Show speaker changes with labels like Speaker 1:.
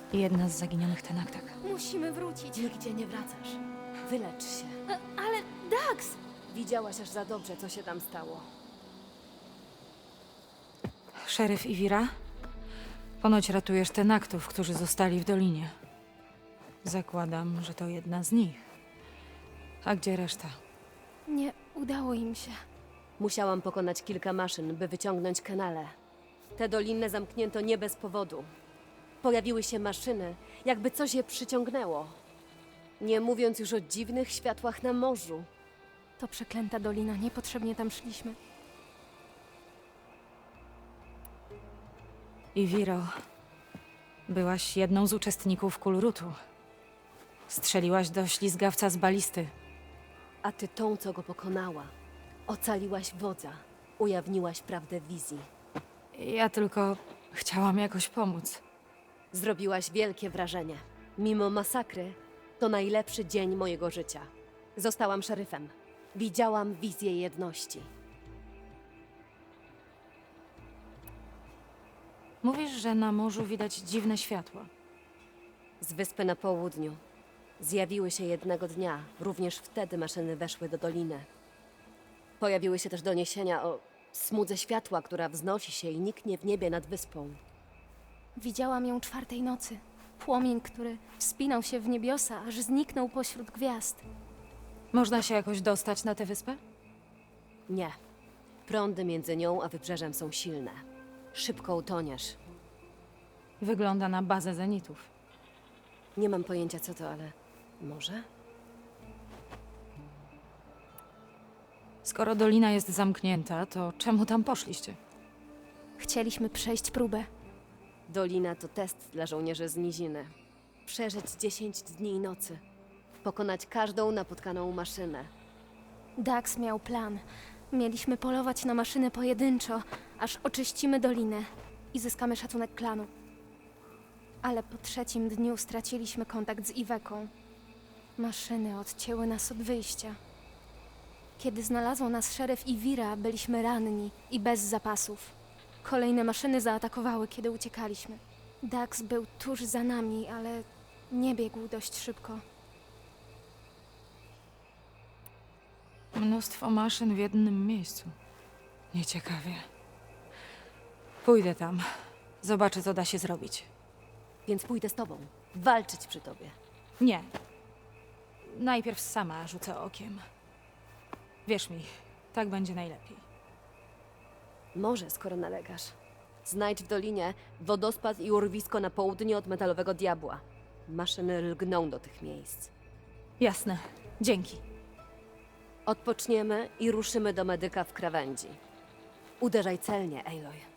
Speaker 1: I jedna z zaginionych tenaktek.
Speaker 2: Musimy wrócić.
Speaker 3: Nigdzie nie wracasz. Wylecz się.
Speaker 2: Ale Dax!
Speaker 3: Widziałaś aż za dobrze, co się tam stało.
Speaker 1: Szeryf Iwira? Ponoć ratujesz tenaktów, którzy zostali w dolinie. Zakładam, że to jedna z nich. A gdzie reszta?
Speaker 2: Nie udało im się.
Speaker 3: Musiałam pokonać kilka maszyn, by wyciągnąć kanale. Te doliny zamknięto nie bez powodu. Pojawiły się maszyny, jakby coś je przyciągnęło. Nie mówiąc już o dziwnych światłach na morzu.
Speaker 2: To przeklęta dolina, niepotrzebnie tam szliśmy.
Speaker 1: Iwiro, byłaś jedną z uczestników kulrutu. Strzeliłaś do ślizgawca z balisty.
Speaker 3: A ty tą, co go pokonała. Ocaliłaś wodza. Ujawniłaś prawdę wizji.
Speaker 1: Ja tylko chciałam jakoś pomóc.
Speaker 3: Zrobiłaś wielkie wrażenie. Mimo masakry, to najlepszy dzień mojego życia. Zostałam szeryfem. Widziałam wizję jedności.
Speaker 1: Mówisz, że na morzu widać dziwne światła.
Speaker 3: Z wyspy na południu. Zjawiły się jednego dnia. Również wtedy maszyny weszły do doliny. Pojawiły się też doniesienia o smudze światła, która wznosi się i niknie w niebie nad wyspą.
Speaker 2: Widziałam ją 4 nocy. Płomień, który wspinał się w niebiosa, aż zniknął pośród gwiazd.
Speaker 1: Można się jakoś dostać na tę wyspę?
Speaker 3: Nie. Prądy między nią a wybrzeżem są silne. Szybko utoniesz.
Speaker 1: Wygląda na bazę zenitów.
Speaker 3: Nie mam pojęcia co to, ale może?
Speaker 1: Skoro dolina jest zamknięta, to czemu tam poszliście?
Speaker 2: Chcieliśmy przejść próbę.
Speaker 3: Dolina to test dla żołnierzy z niziny. Przeżyć 10 dni i nocy. Pokonać każdą napotkaną maszynę.
Speaker 2: Dax miał plan. Mieliśmy polować na maszyny pojedynczo, aż oczyścimy dolinę i zyskamy szacunek klanu. Ale po 3 dniu straciliśmy kontakt z Iweką. Maszyny odcięły nas od wyjścia. Kiedy znalazł nas szeryf Iwira, byliśmy ranni i bez zapasów. Kolejne maszyny zaatakowały, kiedy uciekaliśmy. Dax był tuż za nami, ale nie biegł dość szybko.
Speaker 1: Mnóstwo maszyn w jednym miejscu. Nieciekawie. Pójdę tam. Zobaczę, co da się zrobić.
Speaker 3: Więc pójdę z tobą. Walczyć przy tobie.
Speaker 1: Nie. Najpierw sama rzucę okiem. Wierz mi, tak będzie najlepiej.
Speaker 3: Może, skoro nalegasz. Znajdź w dolinie wodospad i urwisko na południe od Metalowego Diabła. Maszyny lgną do tych miejsc.
Speaker 1: Jasne. Dzięki.
Speaker 3: Odpoczniemy i ruszymy do medyka w krawędzi. Uderzaj celnie, Aloy.